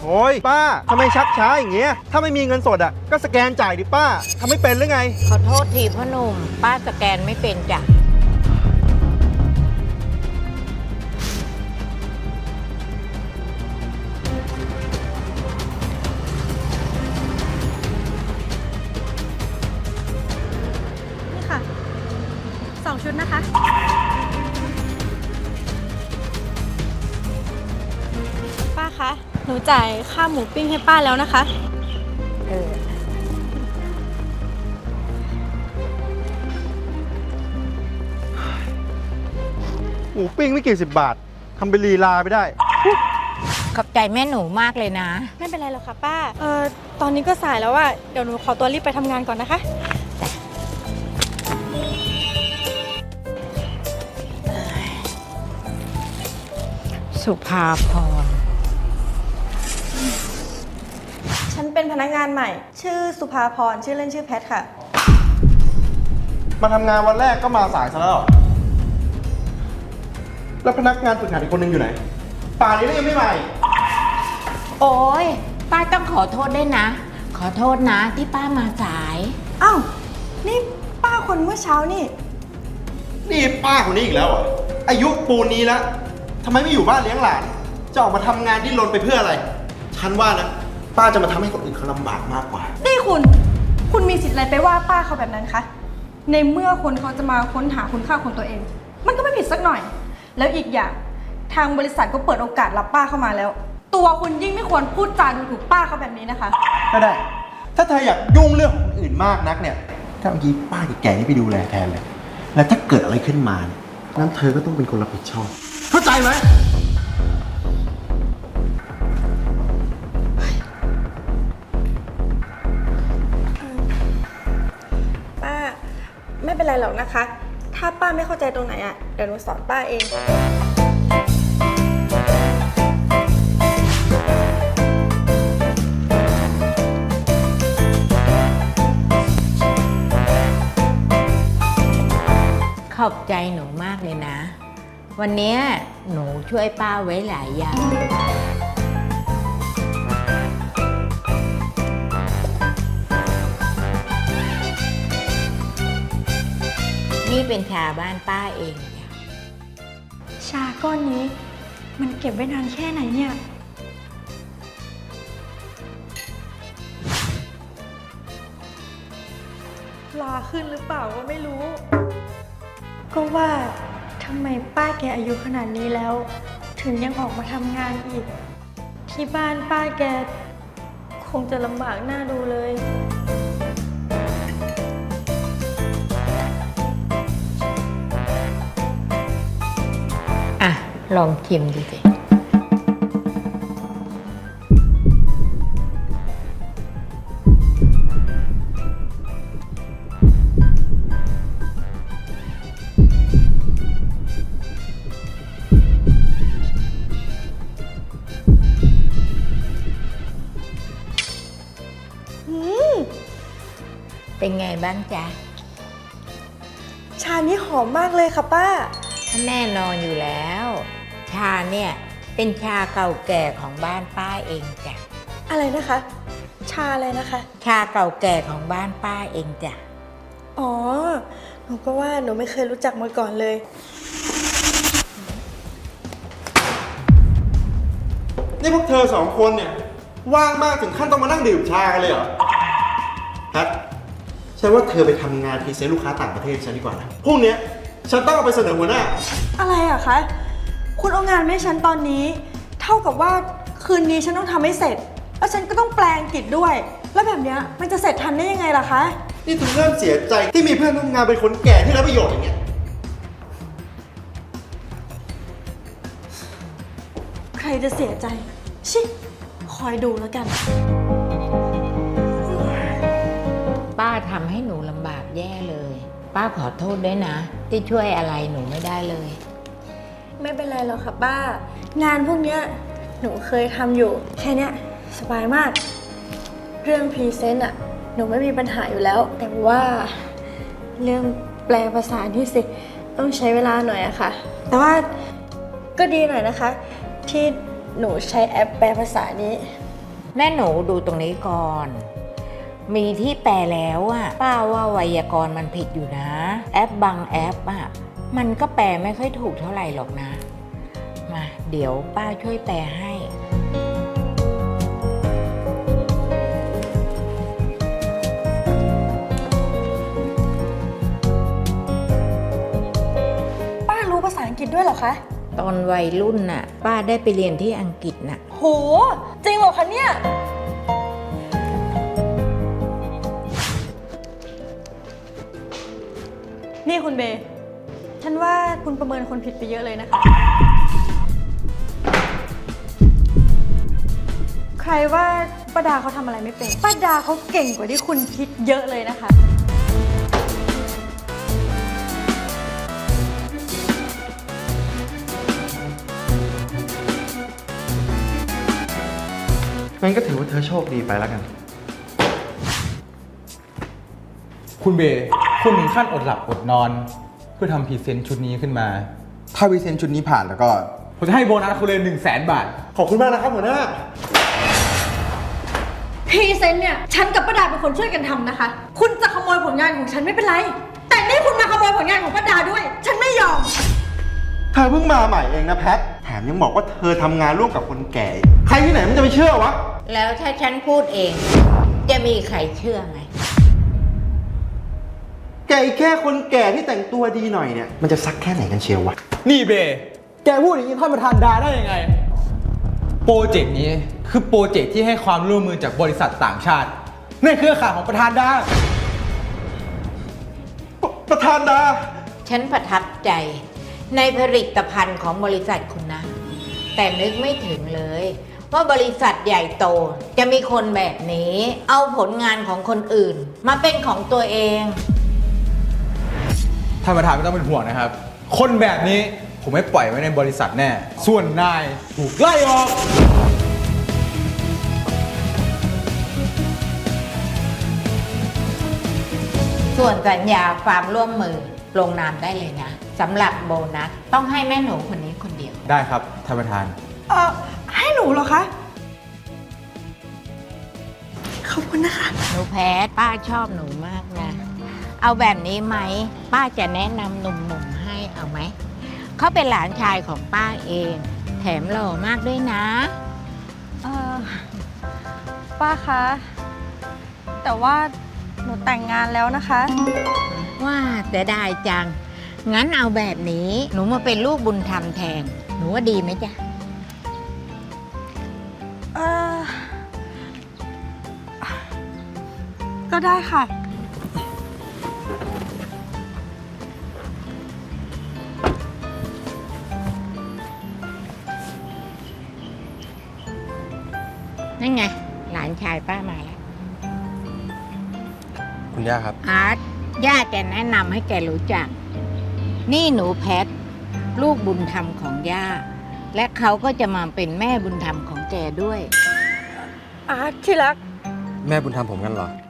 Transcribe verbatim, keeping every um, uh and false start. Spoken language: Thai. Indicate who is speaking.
Speaker 1: โอ้ยป้าทำไมชักช้าอย่างเงี้ยถ้าไม่มีเงินสดอ่ะก็สแกนจ่ายดิป้าทำไม่เป็นหรือไง
Speaker 2: ขอโทษทีพ่อหนุ่มป้าสแกนไม่เป็นจ้ะ
Speaker 3: นี่ค่ะสองชุดนะคะป้าคะหนูจ่ายค่าหมูปิ้งให้ป้าแล้วนะคะ
Speaker 2: เออ
Speaker 1: หมูปิ้งไม่กี่สิบบาททำเป็นลีลาไปได้
Speaker 2: ขอบใจแม่หนูมากเลยนะ
Speaker 3: ไม่เป็นไรหรอกค่ะป้าเอ่อตอนนี้ก็สายแล้วอะเดี๋ยวหนูขอตัวรีบไปทำงานก่อนนะคะ
Speaker 2: สุภาพร
Speaker 3: ฉันเป็นพนักงานใหม่ชื่อสุภาพรชื่อเล่นชื่อแพทค่ะ
Speaker 1: มาทำงานวันแรกก็มาสายซะแล้วแล้วพนักงานฝึกหัดอีกคนนึงอยู่ไหนป่านนี้ก็ยังไม่มาอีก
Speaker 2: โอ้ยป้าต้องขอโทษด้วยนะขอโทษนะที่ป้ามาสาย
Speaker 3: อ้าวนี่ป้าคนเมื่อเช้านี่
Speaker 1: นี่ป้าคนนี้อีกแล้วเหรออายุปูนนี้แล้วทำไมไม่อยู่บ้านเลี้ยงหลานจะออกมาทำงานดิ้นรนไปเพื่ออะไรฉันว่านะป้าจะมาทำให้คนอื่นเขาลำบากมากกว่า
Speaker 3: นี่คุณคุณมีสิทธิ์อะไรไปว่าป้าเขาแบบนั้นคะในเมื่อคนเขาจะมาค้นหาคุณค่าของตัวเองมันก็ไม่ผิดสักหน่อยแล้วอีกอย่างทางบริษัทก็เปิดโอกาสรับป้าเข้ามาแล้วตัวคุณยิ่งไม่ควรพูดจาดูถูกป้าเขาแบบนี้นะคะ
Speaker 1: ก็ได้ถ้าเธออยากยุ่งเรื่องของคนอื่นมากนักเนี่ยถ้าเมื่อกี้ป้าแก่ๆนี่ไปดูแลแทนเลยแล้วถ้าเกิดอะไรขึ้นมาเนี่ยนั้นเธอก็ต้องเป็นคนรับผิดชอบเข้าใจไหม
Speaker 3: ป้าไม่เป็นไรหรอกนะคะถ้าป้าไม่เข้าใจตรงไหนอ่ะเดี๋ยวหนูสอนป้าเอง
Speaker 2: ขอบใจหนูมากเลยนะวันนี้หนูช่วยป้าไว้หลายอย่างนี่เป็นชาบ้านป้าเองจ้ะ
Speaker 3: ชาก้อนนี้มันเก็บไว้นานแค่ไหนเนี่ยลาขึ้นหรือเปล่าก็ไม่รู้ก็ว่าทำไมป้าแกอายุขนาดนี้แล้วถึงยังออกมาทำงานอีกที่บ้านป้าแกคงจะลำบากน่าดูเลย
Speaker 2: อ่ะลองชิมดูสิเป็นไงบ้างจ๊ะ
Speaker 3: ชานี้หอมมากเลยค่ะป้า
Speaker 2: แน่นอนอยู่แล้วชาเนี่ยเป็นชาเก่าแก่ของบ้านป้าเองจ้ะ
Speaker 3: อะไรนะคะชาอะไรนะคะ
Speaker 2: ชาเก่าแก่ของบ้านป้าเองจ้ะ
Speaker 3: อ๋อหนูก็ว่าหนูไม่เคยรู้จักมาก่อนเลย
Speaker 1: นี่พวกเธอสองคนเนี่ยว่างมากถึงขั้นต้องมานั่งดื่มชากันเลยเหรอแพทฉันว่าเธอไปทำงานพรีเซนต์ลูกค้าต่างประเทศฉันดีกว่านะพรุ่งนี้ฉันต้องเอาไปเสนอหัวหน้า
Speaker 3: อะไรอะคะคุณเอางานให้ฉันตอนนี้เท่ากับว่าคืนนี้ฉันต้องทำให้เสร็จแล้วฉันก็ต้องแปลอังกฤษด้วยแล้วแบบนี้มันจะเสร็จทันได้ยังไงล่ะคะ
Speaker 1: นี่ถึงเริ่มเสียใจที่มีเพื่อนร่วมงานเป็นคนแก่ที่ไร้ประโยชน์อย่างเงี้ย
Speaker 3: ใครจะเสียใจชิคอยดูแล้วกัน
Speaker 2: ป้าทำให้หนูลำบากแย่เลยป้าขอโทษด้วยนะที่ช่วยอะไรหนูไม่ได้เลย
Speaker 3: ไม่เป็นไรหรอกค่ะป้างานพวกเนี้ยหนูเคยทำอยู่แค่เนี้ยสบายมากเรื่องพรีเซนต์อะหนูไม่มีปัญหาอยู่แล้วแต่ว่าเรื่องแปลภาษานี่สิต้องใช้เวลาหน่อยอะค่ะแต่ว่าก็ดีหน่อยนะคะที่หนูใช้แอปแปลภาษานี้
Speaker 2: แม่หนูดูตรงนี้ก่อน มีที่แปลแล้วอะป้าว่าไวยากรณ์มันผิดอยู่นะ แอปบางแอปอะมันก็แปลไม่ค่อยถูกเท่าไหร่หรอกนะ มาเดี๋ยวป้าช่วยแปลให้
Speaker 3: ป้ารู้ภาษาอังกฤษด้วยเหรอคะ
Speaker 2: ตอนวัยรุ่นน่ะ ป้าได้ไปเรียนที่อังกฤษน่ะ
Speaker 3: โห จริงเหรอคะเนี่ย นี่คุณเบย์ฉันว่าคุณประเมินคนผิดไปเยอะเลยนะคะ ใครว่าป้าดาเขาทำอะไรไม่เป็น ป้าดาเขาเก่งกว่าที่คุณคิดเยอะเลยนะคะ
Speaker 1: งั้นก็ถือว่าเธอโชคดีไปแล้วกัน
Speaker 4: คุณเบย์คุณถึงขั้นอดหลับอดนอน เพื่อทำพรีเซนต์ชุดนี้ขึ้นมา ถ้าพรีเซนต์ชุดนี้ผ่านแล้วก็ ผมจะให้โบนัสคุณเลยหนึ่งแสนบาท
Speaker 1: ขอบคุณมากนะครับหัวหน้า
Speaker 3: พรีเซนต์เนี่ยฉันกับป้าดาเป็นคนช่วยกันทำนะคะ คุณจะขโมยผลงานของฉันไม่เป็นไร แต่นี่คุณมาขโมยผลงานของป้าดาด้วย ฉันไม่ยอม
Speaker 1: เธอเพิ่งมาใหม่เองนะแพท แถมยังบอกว่าเธอทำงานร่วมกับคนแก่ ใครที่ไหนมันจะไปเชื่อวะ
Speaker 2: แล้วถ้าฉันพูดเอง จะมีใครเชื่อไหม
Speaker 1: แกอีกแค่คนแก่ที่แต่งตัวดีหน่อยเนี่ย มันจะซักแค่ไหนกันเชียววะ
Speaker 4: นี่เบย์แกพูดอย่างนี้ท่านประธานดาได้ยังไง โปรเจกต์นี้คือโปรเจกต์ที่ให้ความร่วมมือจากบริษัทต่างชาติในเครือข่ายของประธานดา
Speaker 1: ปประธานดา
Speaker 2: ฉันประทับใจในผลิตภัณฑ์ของบริษัทคุณนะ แต่นึกไม่ถึงเลย ว่าบริษัทใหญ่โตจะมีคนแบบนี้ เอาผลงานของคนอื่น มาเป็นของตัวเอง
Speaker 4: ท่านประธานไม่ต้องเป็นห่วงนะครับ คนแบบนี้ผมไม่ปล่อยไว้ในบริษัทแน่ ส่วนนายถูกไล่ออก
Speaker 2: ส่วนสัญญาความร่วมมือลงนามได้เลยนะสำหรับโบนัสต้องให้แม่หนูคนนี้คนเดียว
Speaker 4: ได้ครับท่านประธาน
Speaker 3: เอ่อ ให้หนูเหรอคะ ขอบคุณนะคะ
Speaker 2: หนูแพทป้าชอบหนูมากนะ เอาแบบนี้ไหม ป้าจะแนะนำหนุ่มๆให้เอาไหม เขาเป็นหลานชายของป้าเอง แถมหล่อมากด้วยนะ
Speaker 3: เอ่อ ป้าคะ แต่ว่าหนูแต่งงานแล้วนะคะ
Speaker 2: ว่าแต่ได้จัง งั้นเอาแบบนี้ หนูมาเป็นลูกบุญธรรมแทน หนูว่าดีไหมจ๊ะ
Speaker 3: เอ่อ ก็ได้ค่ะ
Speaker 2: นั่นไง หลานชายป้ามาแล้ว
Speaker 4: คุณย่าครับ
Speaker 2: อาร์ตย่าจะแนะนำให้แกรู้จัก นี่หนูแพท ลูกบุญธรรมของย่า และเขาก็จะมาเป็นแม่บุญธรรมของแกด้วย
Speaker 3: อาร์ตที่รัก
Speaker 4: แม่บุญธรรมผมกันเหรอ